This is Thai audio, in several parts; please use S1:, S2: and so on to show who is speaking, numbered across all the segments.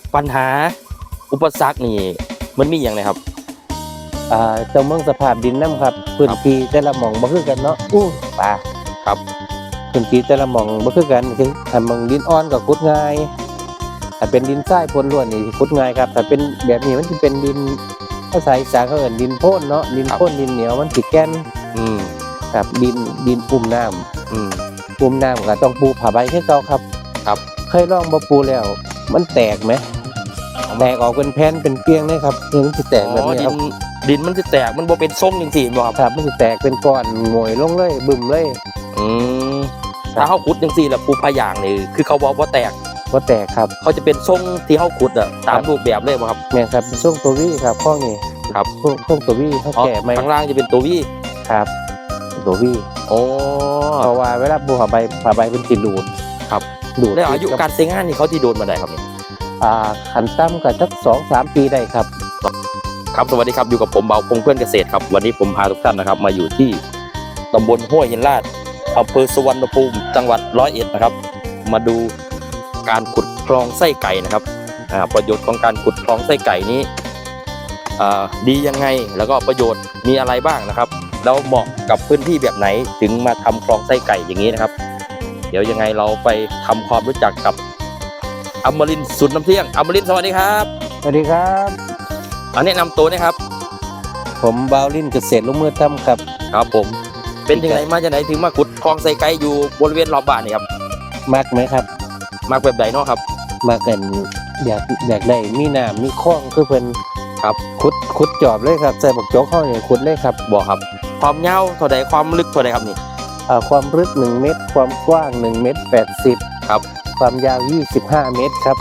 S1: ปัญหาอุปสรรคนี่มันมีอย่างไรครับ
S2: เจ้าเมืองสภาพดินน้ำครับพื้นที่แต่ละหม่องบ่คือกันเนาะป่า
S1: ครับ
S2: พื้นที่แต่ละหม่องบ่คือกันคือถ้าหม่องดินอ่อนก็ขุดง่ายถ้าเป็นดินทรายปนล้วนนี่ขุดง่ายครับถ้าเป็นแบบนี้มันสิเป็นดินภาษาอีสานเขาเอิ้นดินโพ่นเนาะดินโพ่นดินเหนียวมันสิแก่นครับดินปุ่มน้ำปุ่มน้ำก็ต้องปูผ้าใบคือเก่าครับเคยลองบ่ปูแล้วมันแตกไหมแตกออกเป็นแผ่นเป็นเปียงเลยครับนี่มันสิแตกแบบนี้ครับ
S1: ดินมันจะแตกมันบ่เป็นทรงจริงๆบ่
S2: ครับมันสิแตกเป็นก้อนหงอยลงเลยบึ้มเลย
S1: ถ้าเขาขุดจังซี่แล้วปูพะยางนี่คือเขาบอกว่าแตก
S2: ครับ
S1: เขาจะเป็นทรงที่เขาขุดอ่ะตามรูปแบบเลยบ่ครับ
S2: แม่ครับเป็นทรงตัววี่ครับข้อนี้
S1: ครับ
S2: ทรงตัววี่เขาแก่ไหม
S1: ข้างล่างจะเป็นตัววี่
S2: ครับตัววี่เพราะว่าเวลาปูผ้าใบเป็นสิดูด
S1: ครับดูดแล้วอายุการใช้งานนี่เขาที่โดนมาได้ครับนี่
S2: ขันต่ำก็สัก2-3 ปีได้ครับ
S1: ครับสวัสดีครับอยู่กับผมเบาพงเพื่อนเกษตรครับวันนี้ผมพาทุกท่านนะครับมาอยู่ที่ตำบลห้วยหินลาดอำเภอสุวรรณภูมิจังหวัด101นะครับมาดูการขุดคลองไส้ไก่นะครับประโยชน์ของการขุดคลองไส้ไก่นี้ดียังไงแล้วก็ประโยชน์มีอะไรบ้างนะครับแล้วเหมาะกับพื้นที่แบบไหนถึงมาทำคลองไส้ไก่อย่างนี้นะครับเดี๋ยวยังไงเราไปทำความรู้จักกับอมรินทร์สุดน้ำเที่ยงอมรินทร์สวัสดีครับ
S2: สวัสดีครับ
S1: แนะนำตัวนะครับ
S2: ผมบาวลินเกษตรลงมือทำครับ
S1: ครับผมเป็นยังไงมาจากไหนถึงมาขุดคลองไส้ไก่อยู่บริเวณรอบบ้านนี่ครับ
S2: มักไหมครับ
S1: มักแบบใดเนาะครับ
S2: มากันอยากได้มีน้ำมีคลองคือเพิ่น
S1: ครับ
S2: ขุดจอบเลยครับใส่บักโจ๊กเข้าเนี่ยขุดเลยครับ
S1: บอกครับความยาวเท่าใดความลึกเท่าใดครับนี่
S2: ความลึก1 เมตรความกว้าง1 เมตร 80
S1: ครับ
S2: ความยาว25 เมตรครับ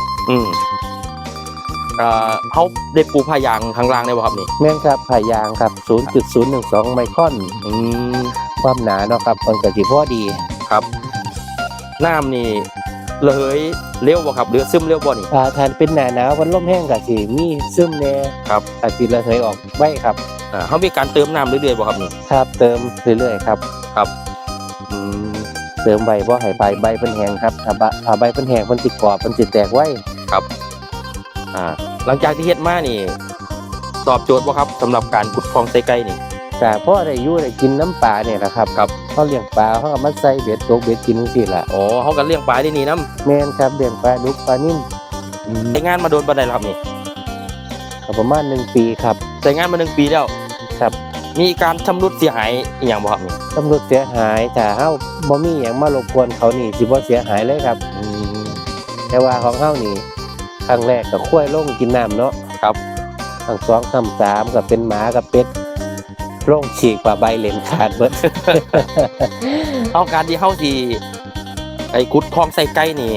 S1: เขาได้ปูผ้ายางข้างล่างได้บ่ครับนี่
S2: แม่นครับผ้ายางครับ 0.012 ไมครอนความหนาเนาะครับมันก็สิพอดี
S1: ครับน้ำนี่เลยเร็วบ่ครับหรือซึมเร็วบ่นี่
S2: ถ้าเป็นหน้าหนาววันลมแห้งก็สิมีซึมแน่
S1: ครับ
S2: อาจสิระเหยออกไว้ครับ
S1: เขามีการเติมน้ำเรื่อยๆบ่ครับนี่
S2: ครับเติมเรื่อยๆครับเติมใบบ่ให้ใบเพิ่นแห้งครับถ้าใบเพิ่นแห้งเพิ่นสิกรอบเพิ่นสิแตกไว้
S1: ครับหลังจากที่เฮ็ดมานี่ตอบโจทย์บ่ครับสำหรับการขุดคลองไส้ไก่นี่
S2: ก็พอได้อยู่ได้กินน้ำปลาเนี่ยนะครับเขาเลี้ยงปลาเขาก็มาใส่เบ็ดตกเบ็ดกินจังซี่ล่ะ
S1: เขาก็เลี้ยงปลาที่นี่นำ
S2: แม่นครับเลี้ยงปลาดุกปลานิ่ม
S1: ใช้งานมาโดนปานใดแล้วครับนี่
S2: ประมาณ1 ปีครับ
S1: ใช้งานมา1 ปีแล้ว
S2: ครับ
S1: มีการชำรุดเสียหายอีหยังบ่ครับนี่
S2: ชำรุดเสียหายถ้าเฮาบ่มีหยังมารบกวนเขานี่สิบ่เสียหายเลยครับแต่ว่าของเฮานี่ครั้งแรกก็ค่อยลงกินน้ำเนาะ
S1: ครับ
S2: ครั้ง2ครั้ง3ก็เป็นหมากับเป็ดลงฉีกกว่าใบเหลนขาดเบิด
S1: เอาการที่เฮาสิขุดคลองไส้ไก่นี่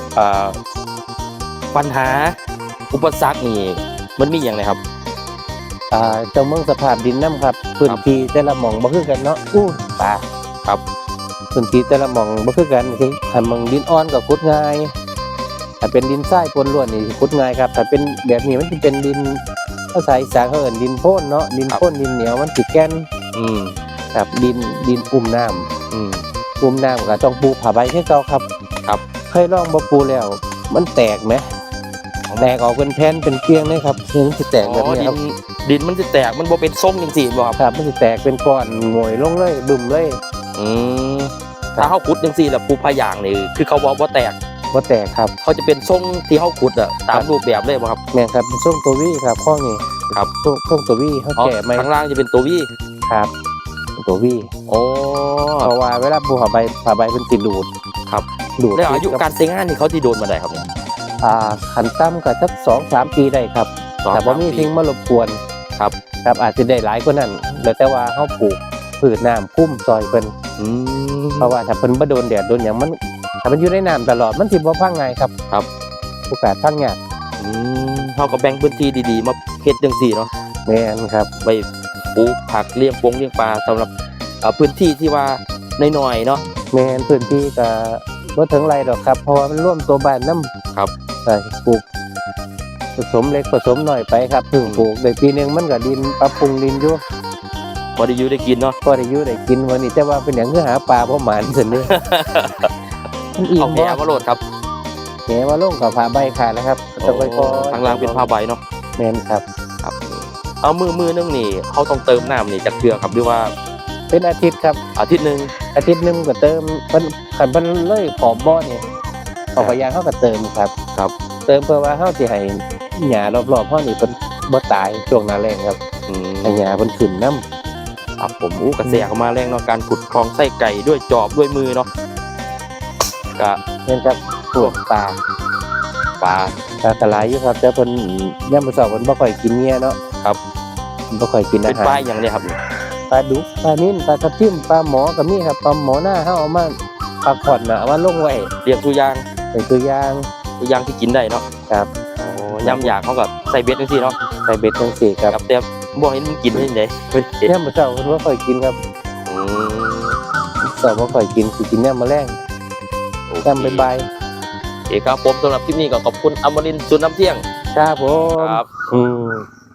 S1: ปัญหาอุปสรรคนี่มันมีอย่างไรครับ
S2: เจ้าเมืองสภาพดินน้ำครับพื้นที่แต่ละหม่องบ่คือกันเนาะป่า
S1: ครับ
S2: พื้นที่แต่ละหม่องบ่คือกันคือถ้าหม่องดินอ่อนก็ขุดง่ายถ้าเป็นดินทรายปนล้วนนี่ขุดง่ายครับถ้าเป็นแบบนี้มันสิเป็นดินภาษาอีสานเขาเอิ้นดินโพ่นเนาะดินโพ่นดินเหนียวมันสิแก่นครับดินปุ่มน้ำปุ่มน้ำก็ต้องปูผ้าใบคือเก่าครับเคยลองบ่ปูแล้วมันแตกไหมแตกออกเป็นแผ่นเป็นเปียงเลยครับมันสิแตกแบบนี้ครับ
S1: ดินมันสิแตกมันบ่เป็นทรงจริงๆบ่
S2: ครับมันสิแตกเป็นก้อนหงอยลงเลยบึ้มเลย
S1: ถ้าเฮาขุดจังซี่แล้วปูผ้ายางนี่คือเขาบอกว่าแตก
S2: ครับ
S1: เขาจะเป็นทรงที่เขาขุดอ่ะตามรูปแบบเลยป่ะครับ
S2: แม่ครับเป็นทรงตัววี่ครับข้อนี้
S1: ครับ
S2: ทรงตัววี่เขาแก่ไหม
S1: ข้างล่างจะเป็นตัววี่
S2: ครับตัววี่เพราะว่าเวลาปูผ้าใบเป็นสิดูด
S1: ครับดูดแล้วอายุการใช้งานนี่เขาที่โดนมาได้ครับเนี่ย
S2: ขันต่ำก็สัก2-3 ปีได้ครับแต่บ่มีทิ้งมารบกวน
S1: ครับ
S2: อาจจะได้หลายกว่านั้นแต่ว่าเขาปลูกพืชน้ำพุ่มซอยเพิ่นเพราะว่าถ้าเพิ่นบ่โดนแดดโดนหยังมันถ้ามันอยู่ในน้ำตลอดมันสิบ่พังง่ายครับโอกาสพังยาก
S1: เฮาก็แบ่งพื้นที่ดีๆมาเฮ็ดจังซี่เนาะ
S2: แม่นครับ
S1: ไปปลูกผักเลี้ยงปลาสำหรับพื้นที่ที่ว่าน้อยๆเนาะ
S2: แม่นพื้นที่ก็บ่ถึงไรดอกครับเพราะว่ามันร่วมตัวบ้านนำ
S1: ครับ
S2: ปลูกผสมเล็กผสมน้อยไปครับถึงปลูกได้ปีนึงมันก็ดินปรับปรุงดินอยู่
S1: พอได้อยู่ได้กินเนาะ
S2: พอได้อยู่ได้กินวันนี้แต่ว่าเป็นหยังคือหาปลาบ่หมานซั่นเด้
S1: เอาแหมาโลดครับ
S2: แหมาลงกับผ้าใบขาดแล้วครับต้องไปคอย
S1: ทางล่างเป็นผ้าใบเนาะ
S2: แม่นครับ
S1: ครับเอามือนึงนี่เขาต้องเติมน้ำนี่จากเกลือครับหรือว่า
S2: เป็นอาทิตย์ครับ
S1: อาทิตย์หนึง
S2: อาทิตย์หนึงก็เติมเพิ่นคันเพิ่นเลยขอบบ่อนี่ขอบพยางเขาก็เติมครับ
S1: ครับ
S2: เติมเพื่อว่าเฮาสิให้หญ้ารอบๆเฮานี่เพิ่นบ่ตายช่วงหน้าแล้งครับ
S1: อืม
S2: ให้หญ้าเพิ่นขึ้นนํ
S1: ครับผมกระแสเข้ามาแรงเนาะการขุดคลองไส้ไก่ด้วยจอบด้วยมือเนาะก็
S2: แม่นครับพวกปลา
S1: ปลา
S2: ตลายอยู่ครับแต่เพิ่นยามมื้อเช้าเพิ่นบ่ค่อยกินเงี้ยเนาะ
S1: ครับ
S2: บ่ค่อยกิน
S1: เป็
S2: อาน หาร
S1: ปลาอย่างเนี้ยครับ
S2: ปลาดุกปลานิ่นปลาทับทิมปลาหมอก็มีครับปลาหมอหน้าเฮาเอามาปลาขอนน่ะเอามาลงไว้
S1: เรียงตัวอย่าง
S2: เป็นตัวอย่าง
S1: ที่กินได้เนาะ
S2: ครับ
S1: โอ้ย่ำอยากเขาก็ใส่เบ็ดจังซี่เนาะ
S2: ใส่เบ็ดจังซี่ครับ
S1: ครับแต่บ่เห็นมันกินได้ยังไงเพิ่นเห็น
S2: ยามมื้อเช้าเพิ่นบ่ค่อยกินครับ
S1: อืม
S2: เช้าบ่ค่อยกินสิกินยามมื้อแลง
S1: โอเค
S2: ยามบ่าย
S1: โอเคครับผมสำหรับคลิปนี้ก็ขอบคุณอมรินทร์สุนน้ำเที่ยง
S2: ๆครับผม
S1: ครับ
S2: อืม